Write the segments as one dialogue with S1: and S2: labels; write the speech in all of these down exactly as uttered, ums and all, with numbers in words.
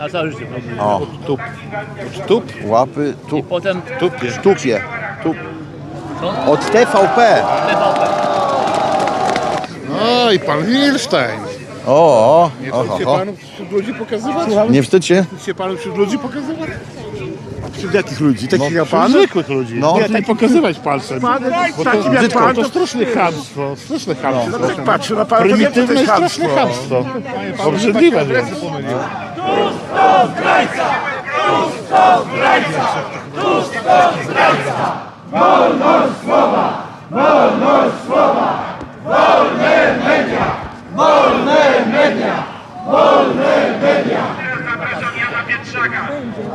S1: Na całe życie.
S2: O,
S3: Tup. Tup?
S2: łapy, tu,
S1: I potem
S3: Tupie.
S2: tupie. Tu.
S1: co?
S2: Od T V P.
S1: T V P.
S3: No i pan Wilstein.
S2: O, o,
S3: Nie
S2: o,
S3: wstyd się
S2: o.
S3: panu wśród ludzi pokazywać?
S2: Nie wstydź się?
S3: Wstyd się panu wśród ludzi pokazywać? Wśród jakich ludzi? Takich
S2: No,
S3: jak pan?
S2: wśród
S3: Zwykłych ludzi.
S2: No.
S3: Nie, nie pokazywać palcem. Bo to,
S2: brzydko.
S3: to straszne chamstwo. Straszne chamstwo.
S4: No tak patrzę na pana, to
S3: Prymitywne i
S4: wiem, że to
S3: straszne chamstwo. Obrzydliwe.
S5: Zapraszam Jana Pietrzaka.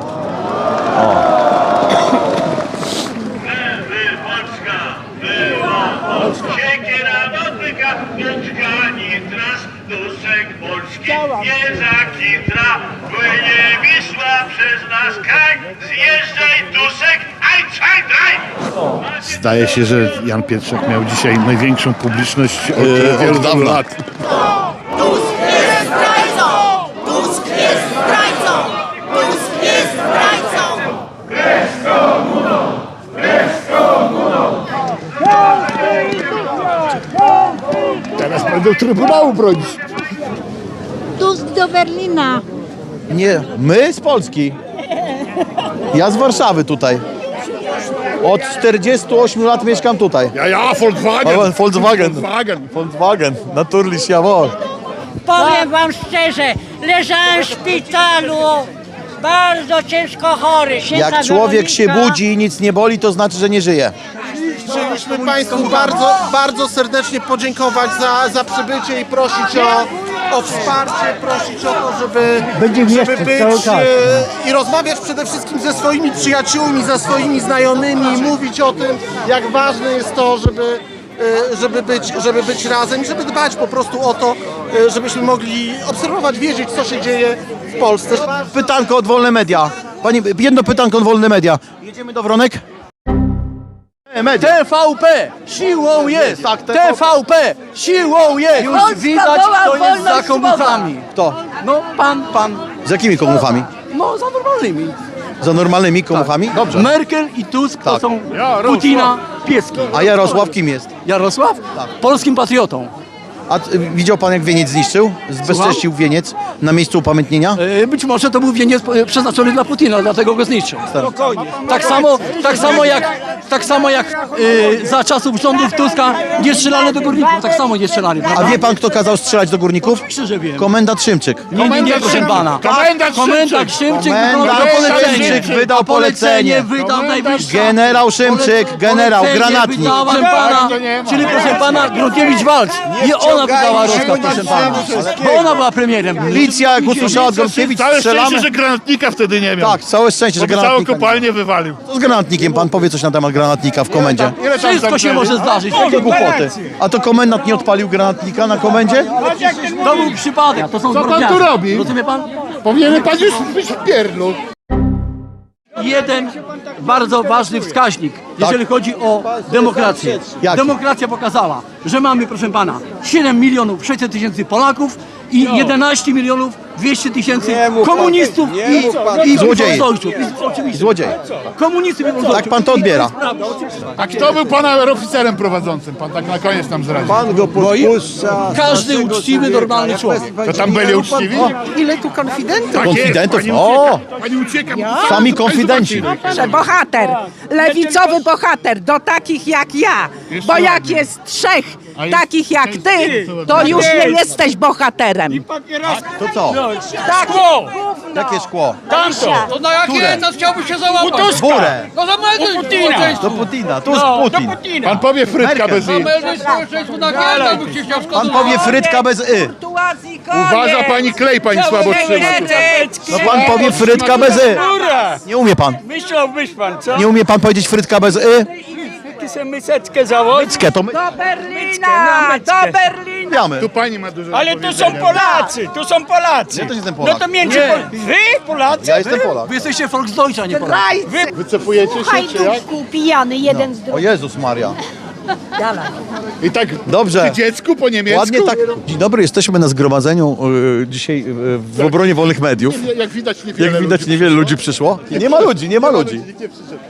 S5: Lewy Polska, była Polska. Siekiera dotyka, Polska nitras, duszek Polski nie zakitra. Płynie Wisła przez nas kaj, zjeżdżaj duszek, aj, czaj, draj.
S3: Zdaje się, że Jan Pietrzak miał dzisiaj największą publiczność od
S2: Yy,
S3: wielu
S2: od dawna.
S3: lat.
S6: Tusk jest zdrajcą! Tusk jest zdrajcą! Tusk jest zdrajcą!
S3: Teraz będą Trybunału bronić.
S7: Tusk do Berlina.
S2: Nie, my z Polski. Ja z Warszawy tutaj. Od czterdziestu ośmiu lat mieszkam tutaj.
S3: Ja, ja, Volkswagen.
S2: O, Volkswagen.
S3: Volkswagen.
S2: Volkswagen, natürlich, jawohl.
S7: Powiem wam szczerze, leżałem w szpitalu, bardzo ciężko chory.
S2: Jak człowiek się budzi i nic nie boli, to znaczy, że nie żyje.
S4: Chcieliśmy Państwu bardzo, bardzo serdecznie podziękować za, za przybycie i prosić o, o wsparcie, prosić o to, żeby, żeby być e, i rozmawiać przede wszystkim ze swoimi przyjaciółmi, ze swoimi znajomymi, mówić o tym, jak ważne jest to, żeby, e, żeby, być, żeby być razem, żeby dbać po prostu o to, e, żebyśmy mogli obserwować, wiedzieć, co się dzieje w Polsce.
S2: Pytanko od Wolne Media. Pani, jedno pytanko od Wolne Media. Jedziemy do Wronek? E, media.
S8: T V P siłą jest!
S2: Tak,
S8: T V P siłą jest! Już widać, kto jest za komuchami.
S2: Kto?
S8: No pan, pan,
S2: Z jakimi komuchami?
S8: no za normalnymi.
S2: Za normalnymi komuchami? Dobrze.
S8: Merkel i Tusk to
S2: Tak.
S8: są
S3: Jarosław.
S8: Putina pieski.
S2: A Jarosław kim jest?
S8: Jarosław? Polskim patriotą.
S2: A y, widział pan, jak wieniec zniszczył? Zbezcześcił wieniec na miejscu upamiętnienia?
S8: E, Być może to był wieniec e, przeznaczony dla Putina, dlatego go zniszczył. Tak samo, tak samo jak, tak samo jak e, za czasów rządów Tuska nie strzelano do górników, tak samo nie strzelali.
S2: A
S8: prawda?
S2: wie pan, kto kazał strzelać do górników?
S8: Krzyże wiem.
S2: Komendant Szymczyk.
S8: Nie, nie, nie, proszę pana.
S3: Komendant
S8: Komendant Szymczyk wydał
S2: Komendant
S8: polecenie.
S2: Szymczyk wydał
S8: A polecenie
S2: polecenie.
S8: wydał najwyższy.
S2: Generał Szymczyk, generał, granatnik.
S8: Wydała, proszę pana, czyli proszę pana, Gronkiewicz walcz. Nie ona wydała rozkaz, proszę pana. Bo ona była premierem.
S2: Policja, jak usłyszała od Gronkiewicz,
S3: Całe
S2: strzelamy.
S3: szczęście, że granatnika wtedy nie miał.
S2: Tak, całe szczęście, że
S3: Bo by całą
S2: granatnika. nie ma.
S3: kopalnię wywalił.
S2: Co z granatnikiem? Pan powie coś na temat granatnika w komendzie.
S3: Ile tam
S8: Wszystko się
S3: zamknęli?
S8: może zdarzyć.
S2: Jakie głupoty. A to komendant nie odpalił granatnika na komendzie?
S8: To był przypadek. To są
S3: Co pan
S8: drobniacy.
S3: tu robi?
S8: Rozumie pan?
S3: Powinien pan już być w pierdlu.
S8: Jeden bardzo ważny wskaźnik, jeżeli chodzi o demokrację.
S2: Jaki?
S8: Demokracja pokazała, że mamy, proszę pana, siedem milionów sześćset tysięcy Polaków i jedenaście milionów dwieście tysięcy komunistów i, i
S2: Złodziei.
S8: wolnościowców. I- Oczywiście.
S2: Złodziej.
S8: Komunistów i wolnościowców.
S2: Tak pan to odbiera.
S3: A kto był pana oficerem prowadzącym? Pan tak na koniec nam zdradził.
S8: Każdy uczciwy, normalny człowiek.
S3: To tam byli uczciwi?
S4: Ile tu konfidentów?
S3: Tak jest,
S2: Konfidentów?
S3: pani
S2: O!
S3: ucieka, pani ucieka.
S2: Sami konfidenci.
S9: Bohater, lewicowy bohater do takich jak ja, bo jak jest trzech takich jak ty, to już nie jesteś bohaterem.
S2: To co?
S9: Tak,
S2: Jakie szkło?
S8: To na jakie nas chciałby się załapać?
S2: Burę.
S8: No zamelduj
S2: Do Putina. Tu jest Putin.
S3: Pan powie frytka
S2: Merkel.
S3: bez i.
S8: Zamelduj społeczeństwo na jakie by się chciał
S2: Pan powie frytka bez y.
S9: Kurtuazji, koniec.
S3: Uważa pani klej, pani słabo trzyma.
S2: No pan powie frytka bez y. Nie umie pan.
S10: Myślałbyś pan, co?
S2: Nie umie pan powiedzieć frytka bez y?
S10: Ty sobie myseczkę założyć?
S2: Myckę to my.
S9: Do Berlina, do Berlina.
S2: Wiemy.
S3: Tu pani ma dużo
S10: Ale
S3: do
S10: tu są
S3: powiedzenia.
S10: Polacy, tu są Polacy.
S2: Ja też jestem Polak.
S10: No to między Pol... Wy Polacy?
S2: Ja jestem Polak.
S8: Wy jesteście Volksdeutscher, nie Polacy.
S9: Zdrajcy.
S3: Wycofujecie się, czy jak?
S7: Hajdówku pijany jeden z
S2: O
S7: drugim.
S2: Jezus Maria.
S3: I tak
S2: Dobrze.
S3: przy dziecku po niemiecku.
S2: Ładnie tak. Dzień dobry, jesteśmy na zgromadzeniu y, dzisiaj y, w obronie wolnych mediów.
S3: Jak widać niewiele
S2: Jak widać,
S3: ludzi
S2: niewiele ludzi przyszło. Nie ma ludzi, nie ma ludzi.
S3: Nikt nie przyszedł.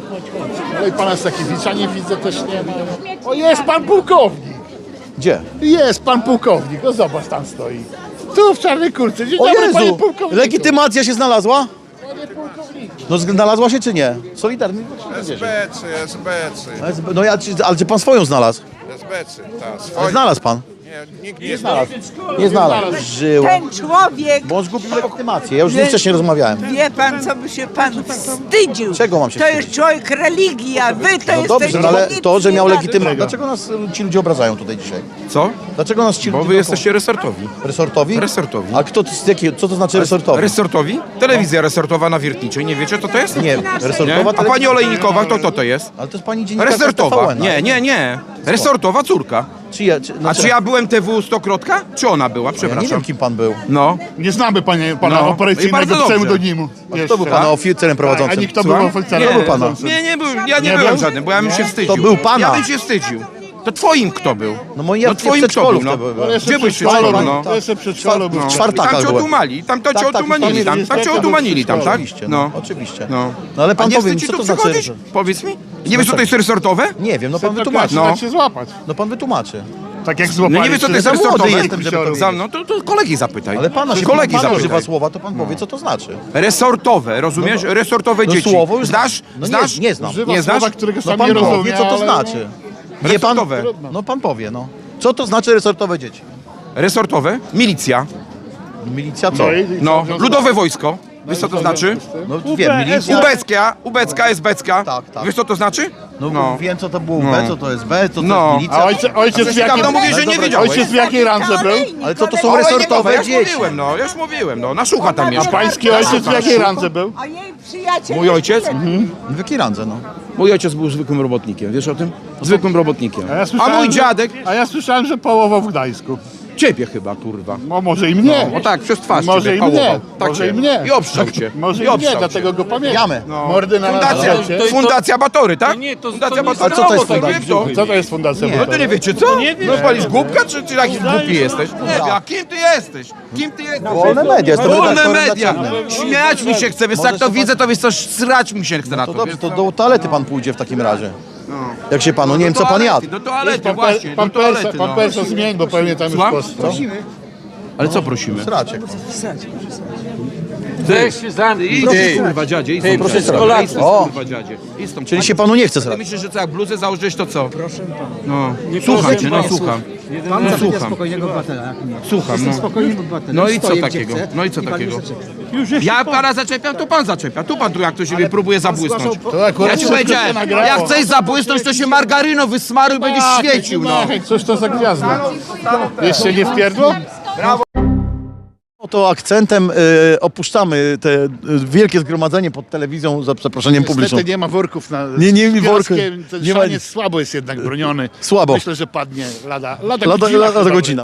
S3: No i pana Stakiewicza nie widzę, też nie ma. O, jest pan pułkownik.
S2: Gdzie?
S3: Jest pan pułkownik. No zobacz, tam stoi. Tu w czarnej kurce. Dzień
S2: O
S3: dobry, panie
S2: Jezu!
S3: pułkowniku.
S2: Legitymacja się znalazła?
S3: Panie pułkowniku.
S2: No znalazła się czy nie? Solidarny?
S1: S B trzy, S B trzy,
S2: No ja, ale czy pan swoją znalazł?
S1: S B trzy, tak. Swoje.
S2: Znalazł pan?
S1: Nie, nikt nie znalazł.
S2: Nie znalazł. Żyła.
S9: Ten człowiek,
S2: Bo on zgubił legitymację. Ja już z nim wcześniej rozmawiałem.
S9: wie pan, co by się pan wstydził.
S2: Czego mam się
S9: To
S2: wstydzić?
S9: jest człowiek religii, a wy to
S2: No
S9: jesteście
S2: dobrze, no ale
S9: nic
S2: to, że
S9: nie
S2: miał
S9: da-
S2: legitymację. Dlaczego nas y, ci ludzie obrażają tutaj dzisiaj?
S11: Co?
S2: Dlaczego nas ci
S11: Bo
S2: ludzie...
S11: wy jesteście resortowi.
S2: Resortowi?
S11: Resortowi.
S2: A kto, z jakiego, co to znaczy resortowi?
S11: Resortowi? Telewizja resortowa na Wiertniczej. Nie wiecie, co to jest?
S2: Nie,
S11: Nie?
S2: resortowa
S11: A pani Olejnikowa, to kto to jest?
S2: Ale to jest pani dziennikarka
S11: Resortowa.
S2: T V N.
S11: Nie, nie, nie. Resortowa córka.
S2: Czy ja, czy, no,
S11: A czy ja byłem T W stokrotka? Czy ona była?
S2: ja nie
S11: Przepraszam.
S2: wiem, kim pan był.
S11: No.
S3: Nie znamy panie, pana
S11: No. I
S3: operacyjnego
S11: bardzo dobrze.
S3: pseudonimu.
S2: A kto był pana oficerem
S3: A
S2: prowadzącym?
S3: nikt to był
S11: Słucham?
S3: oficerem
S2: Kto był pana?
S3: prowadzącym.
S11: Nie, nie byłem. Ja nie,
S3: Nie
S11: byłem
S3: był?
S11: żadnym, bo ja bym się wstydził.
S2: To był pana.
S11: Ja bym się wstydził. To twoim kto był?
S2: No moi ja
S11: No
S2: w
S11: twoim kto
S2: przedszkolu
S11: był? No.
S2: wtedy byłem.
S11: Gdzie byś się
S3: przedszkolu,
S11: szkolu,
S3: no.
S11: no?
S3: To jeszcze przedszkolu był.
S2: W
S11: I
S2: czwartakach
S11: tam cię
S2: byłem.
S11: otumali, tam to cię
S2: Tak, tak,
S11: otumanili,
S2: tam
S11: tam, tam cię
S3: jest
S11: otumanili, tam, tak?
S2: Oczywiście, no, oczywiście.
S11: No.
S2: No ale pan
S11: A nie
S2: powie mi,
S11: wstyd ci
S2: co
S11: tu
S2: to znaczy
S11: przychodzić?
S2: resort?
S11: Powiedz mi. Nie wiesz, co to jest resortowe?
S2: Nie wiem, no pan
S3: Wytłumaczy,
S2: wytłumaczy.
S11: No.
S3: no. się złapać.
S2: No pan wytłumaczy.
S3: Tak jak złapali.
S11: No nie wiesz, co to jest
S2: za młody
S11: resortowe?
S2: jestem, żeby to
S11: Za- No to, to kolegi zapytaj.
S2: Ale pana się
S11: kolegi
S2: pana
S11: zapytaj.
S2: używa słowa, to pan powie, co to znaczy.
S11: Resortowe, rozumiesz? Resortowe
S2: No
S11: dzieci.
S2: słowo już
S11: Znasz?
S2: No
S11: Znasz?
S2: nie, nie znam.
S3: Używa
S11: Nie znasz?
S3: słowa, którego
S2: No
S3: sam
S2: pan
S3: nie
S2: powie,
S3: rozumie,
S2: co to
S3: ale...
S2: znaczy. Wie pan?
S11: Resortowe.
S2: No pan powie, no. Co to znaczy resortowe dzieci?
S11: Resortowe? Milicja.
S2: Milicja co?
S3: No, i-
S11: No. Ludowe wojsko. Wiesz, co to znaczy?
S2: No wiem, milicja...
S11: Ubecka, ubecka, esbecka.
S2: Tak, tak.
S11: Wiesz, co to znaczy?
S2: No,
S11: No.
S2: wiem, co to było B, co to jest B, co to
S11: No.
S2: jest
S3: A
S2: milicja.
S3: ojciec, ojciec, w jakiej,
S11: Dawno mówię, że nie wiedziałeś.
S3: ojciec w jakiej randze był?
S2: Ale co to są
S11: O, ale nie
S2: resortowe
S11: mów, ja już
S2: dzieci?
S11: mówiłem, no, ja już mówiłem, no. Na Szucha tam
S3: A
S11: mieszka.
S3: pański ojciec w jakiej randze był?
S9: A jej przyjaciel...
S11: Mój ojciec?
S2: W jakiej randze, no?
S11: Mój ojciec był zwykłym robotnikiem, wiesz o tym? Zwykłym robotnikiem.
S3: A, ja
S11: A
S3: słyszałem,
S11: mój
S3: że-
S11: dziadek?
S3: A ja słyszałem, że połował w Gdańsku.
S11: Ciebie chyba, kurwa.
S3: No może i mnie.
S11: No tak, przez twarz
S3: Może
S11: ciebie
S3: i mnie,
S11: pałował. Tak
S3: może
S11: cię.
S3: i mnie.
S11: I obszczał cię.
S3: Może
S11: I
S3: i mnie,
S11: obszczał cię.
S3: dlatego go pamiętam.
S2: Jamy.
S3: Mordy na
S11: Fundacja,
S3: nas
S11: to, fundacja Batory, tak? Nie, to, fundacja Batory.
S2: A co to jest
S11: No,
S2: fundacja?
S11: wie kto?
S3: Co to jest fundacja
S11: No to
S3: Batory?
S11: nie wiecie co? No palisz głupka, czy, czy jakiś głupi jesteś? Nie wiem, a kim ty jesteś? Kim ty jesteś?
S2: Wolne media, jestem
S11: Wolne
S2: redaktorem
S11: media!
S2: naczelnym.
S11: Śmiać mi się chce, wiesz, jak to widzę, to wiesz co, srać mi się chce na
S2: To
S11: to.
S2: dobrze,
S11: wiesz
S2: to
S11: co?
S2: do toalety pan pójdzie w takim razie. Jak się panu, nie wiem co pan jadł.
S11: Do toalety,
S3: Pan,
S11: właśnie,
S3: pan,
S11: do toalety,
S3: Persa, pan
S11: no.
S3: Persa zmień, bo pewnie tam już
S11: Słucham?
S3: post.
S11: Ale co prosimy?
S2: Sracie.
S11: Idź, kurwa dziadzie, idź
S2: proszę
S11: stąd,
S2: srać.
S11: idź stąd,
S2: O.
S11: kurwa dziadzie. Idź stąd.
S2: Czyli się panu nie chce
S11: Ty
S2: srać.
S11: myślisz, że co, jak bluzę założysz, to co? Proszę pana. No, słucham cię, no słucham.
S12: Pan
S11: No,
S12: zabija
S11: słucham.
S12: spokojnego obywatela, jak mnie.
S11: Słucham,
S12: Jestem
S11: no.
S12: spokojnym obywatelem.
S11: No i co
S12: Stoję, gdzie
S11: takiego?
S12: chcę
S11: No i co
S12: pan
S11: takiego?
S12: mnie zaczepia.
S11: Ja pana zaczepiam, to pan zaczepia. Tu pan tu jak ktoś siebie próbuje zabłysnąć.
S3: To akurat
S11: Ja ci
S3: wszystko
S11: powiedziałem,
S3: się nagrało.
S11: jak chcesz zabłysnąć, to się margaryną wysmaruj i będziesz świecił, no.
S3: Ach, Cóż to za gwiazda? Jeszcze nie wpierdło?
S2: To akcentem y, opuszczamy te y, wielkie zgromadzenie pod telewizją za przeproszeniem publiczną.
S3: Niestety nie ma worków na
S2: Nie, nie,
S3: z
S2: worku.
S3: piaskiem. Ten
S2: Nie ma
S3: szaniec słabo jest jednak broniony.
S2: Słabo.
S3: Myślę, że padnie lada, lada,
S2: Lada,
S3: godzina
S2: lada
S3: chyba
S2: godzina.